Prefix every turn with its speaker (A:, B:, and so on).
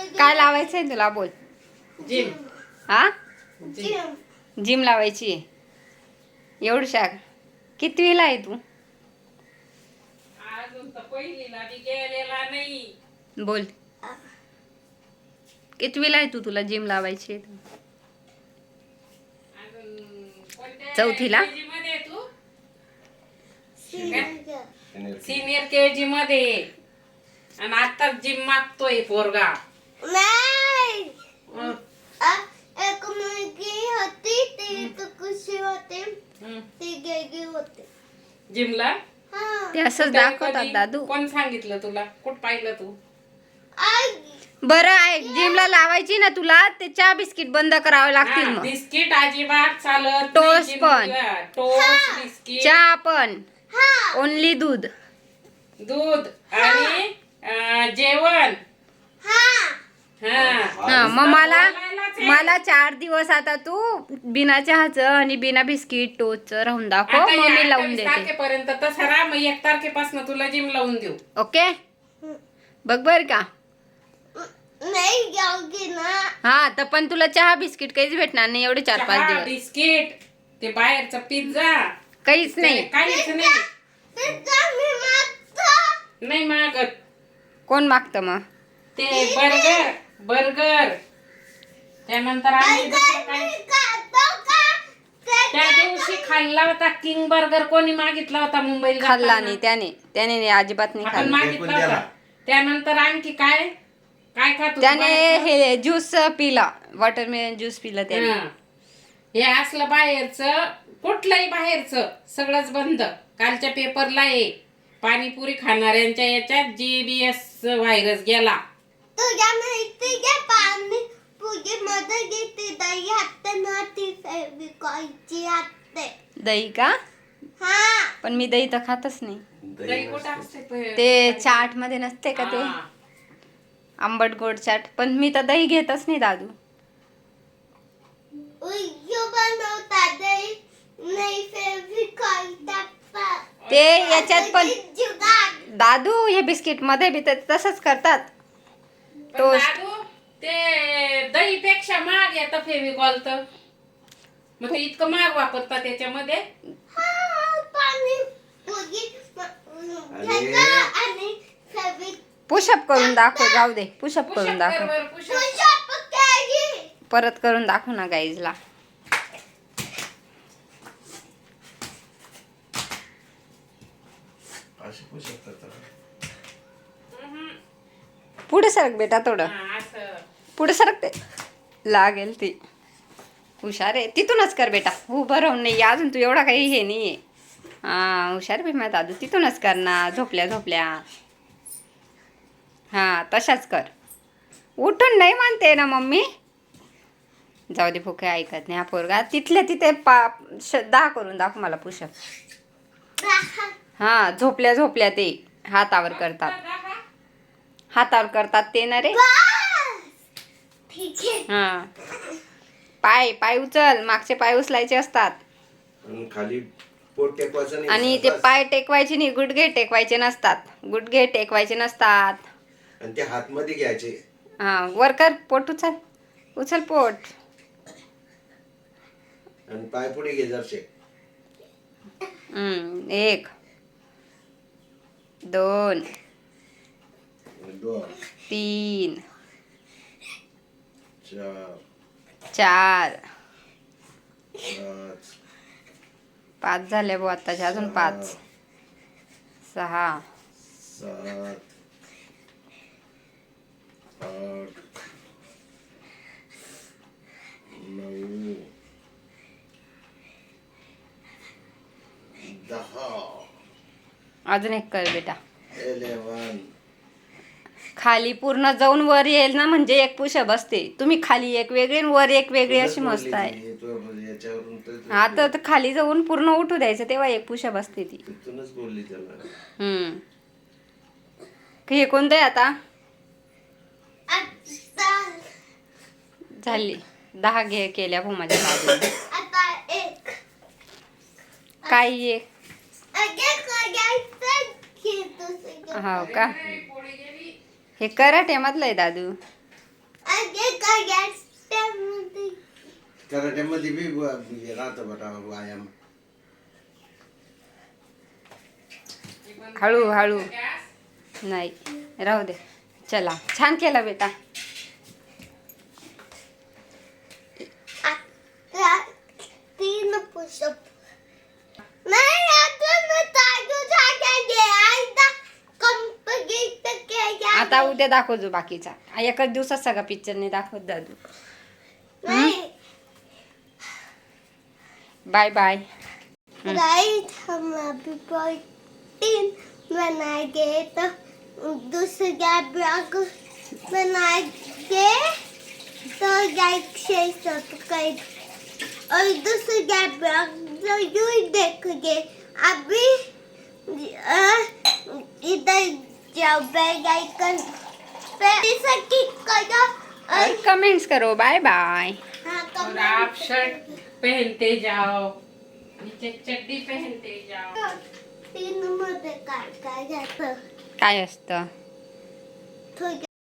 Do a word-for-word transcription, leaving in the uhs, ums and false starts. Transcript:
A: काय लावायचंय तुला बोल.
B: जिम.
A: हा
B: जिम.
A: जिम लावायची आहे. एवढं शाक कितवीला आहे तू.
B: अजून तर पहिलीला बी गेलेला नाही.
A: बोल कितवीला आहे तू. तुला जिम लावायची आहे.
B: अजून कोणत्या
A: चौथीला?
B: केजी मध्ये आहे तू. सिनियर केजी मध्ये आहे. आणि आता जिम मागतोय पोरगा.
C: नाही
B: हं.
C: आ- एक मुलगी होती ती तर कशी होती
B: हं.
C: ती गेली होती.
B: जिमला
C: हा
A: ते असंच
B: कुठं-
A: दाखवतात
B: कधी?
A: दादू.
B: कोण सांगितलं तुला. कुठ पाहिलं तू.
C: आई
A: बरं आहे जिमला लावायची ना तुला ते चहा बिस्किट बंद करावे लागतील
B: हा,
A: मग.
B: बिस्किट अजिबात चालत
A: टोस्ट
B: नाही
A: पण.
B: जिमला. टोस्ट बिस्किट
A: चहा पण
C: हा
A: ओनली दूध.
B: दूध आणि अं, जेवण.
C: हा
B: हा
A: हा मग मला
B: बोलायलाच आहे.
A: मला चार दिवस आता तू बिना चहाचं आणि बिना बिस्किट टोस्टचं राहून दाखव
B: आता
A: मग
B: या
A: मी लावून
B: अठ्ठावीस
A: देते.
B: तारखेपर्यंत तसं राहा. मग एक तारखेपासून तुला जिम लावून देऊ.
A: ओके बघ बर का.
C: नाही जाऊगी ना.
A: हा तर पण तुला चहा बिस्किट काहीच भेटणार नाही एवढे चार पाच
B: चहा,
A: दिवस.
B: बिस्किट ते बाहेरचा पिझ्झा
A: काहीच नाही.
B: काहीच नाही.
C: पिझ्झा मी मागतो.
B: नाही मागत.
A: कोण मागतं मग.
B: ते बर्गर बर्गर त्यानंतर आम्ही दुसरं काय
C: मी खातो का ते-
B: त्या दिवशी खाल्ला होता किंग बर्गर. कोणी मागितला होता मुंबईला
A: खाल्ला
B: जाताना?
A: नाही त्याने त्याने नाही, अजिबात नाही
B: आपण
A: खाल्ला.
B: मागितला होता. त्यानंतर आणखी काय काय खात होती
A: त्याने
B: बाहेरचं?
A: हे ज्यूस पिला वॉटरमेलन ज्यूस पिला त्याने.
B: हं. हे असलं बाहेरचं कुठलंही बाहेरचं सगळंच बंद. कालच्या पेपरला आहे पाणीपुरी खाणाऱ्यांच्या याच्यात जीबीएस व्हायरस गेला.
C: तुझ्या माहिती आहे पाणी पुरी मध्ये घेते दही हाते ना ती फेविकॉलची हाते.
A: दही का.
C: हा
A: पण मी दही तर खातच नाही.
B: दही कुठं असते प-
A: ते चाट मध्ये नसते का ते
B: हा.
A: आंबट गोड चाट. पण मी तर दही घेतच नाही दादू.
C: उयू बनवता दही नाही फेविकॉल टाकतात.
A: ते याच्यात पण
C: जुगाड.
A: दादू हे बिस्किट मध्ये बी तर तसंच करतात.
B: पण
A: टोस्ट.
B: दादू, ते दही पेक्षा महाग येतं फेविकॉल तर. मग ते इतकं महाग वापरतात त्याच्यामध्ये.
C: हा पाणी पुरी घ्यायचं आणि फेविक
A: पुशअप करून दाखव. जाऊ दे पुशअप करून
B: पुशअप
A: दाखव.
B: कर बरं, पुशअप.
C: पुशअप केली.
A: परत करून दाखव ना गाईजला. पुढे सरक बेटा थोडं.
B: हा, असं.
A: पुढे सरकते लागेल ती. हुशार आहे. तिथूनच कर बेटा. उभं राहून नाही अजून तू एवढा काही हे नाही आहे. हा हुशार बी माझा दादू. तिथूनच कर ना झोपल्या झोपल्या. हा तशाच कर. उठून नाही म्हणते ना मम्मी. जाऊ दे भुके ऐकत नाही हा पोरगा. तिथल्या तिथे पा श- दहा करून दाखव मला पुशअप. हा झोपल्या झोपल्या ते हातावर करतात. हातावर करतात ते ना रे.
C: ठीक आहे.
A: हा पाय पाय उचल. मागचे पाय उचलायचे असतात.
D: आणि खाली पोट टेकवायचं नाही.
A: आणि ते
D: बस.
A: पाय टेकवायचे नाही. गुडघे टेकवायचे नसतात. गुडघे टेकवायचे नसतात.
D: आणि ते हात मध्ये घ्यायचे.
A: हा वर कर. पोट उचल. उचल पोट.
D: आणि पाय पुढे घे जरसे.
A: हम्म एक दोन
D: दोन
A: तीन
D: चार
A: चार
D: पाच
A: पाच झाले भाऊ आत्ताचे. अजून पाच सहा
D: सात आठ नऊ दहा
A: अजून एक कर बेटा.
D: इलेवन.
A: खाली पूर्ण जाऊन वर येईल ना म्हणजे एक पुशअप असते. तुम्ही खाली एक वेगळी आणि वर एक वेगळी अशी मस्त आहे.
D: याच्यावरून तर
A: हा तर तर खाली जाऊन पूर्ण उठू द्यायचं तेव्हा एक पुशअप असते ती.
D: तिथूनच बोलली त्याला.
A: हम्म हे कोणतं आहे आता.
C: आता
A: झाली दहा घे केल्या भाऊ माझ्या बाजूला.
C: आता एक
A: काय एक
C: अगे करायचं की दुसरं.
A: हो का. हे कराटे मधलं आहे दादू.
C: आगे कराट्यामध्ये
D: कराट्यामध्ये बी ब- हे राहतं बघा व्यायाम.
A: हळू हळू नाही राहू दे. चला छान केलं बेटा.
C: आता तीन पुशअप नाही अजून चालू झालेले आता कंप्लीट केल्या.
A: आता उद्या दाखव जो बाकीचा. एकच दिवसात सगळा पिक्चर नाही दाखवत दादू.
C: नाही
A: बाय बाय.
C: राईट हम अभी प्रोटीन बनाएंगे तो दूसरा ब्लॉग बनाएंगे तो लाइक शेयर सब्सक्राइब और दूसरा ब्लॉग जरूर देखोगे. अभी अ, इधर जाओ बेल आइकन पे क्लिक करो और
A: और कमेंट्स करो. Bye bye.
C: हाँ
B: और आप शर्ट पहनते जाओ, नीचे चड्डी पहनते जाओ.
C: तीन मध्ये काय काय जातं
A: काय असतं?
C: थोडं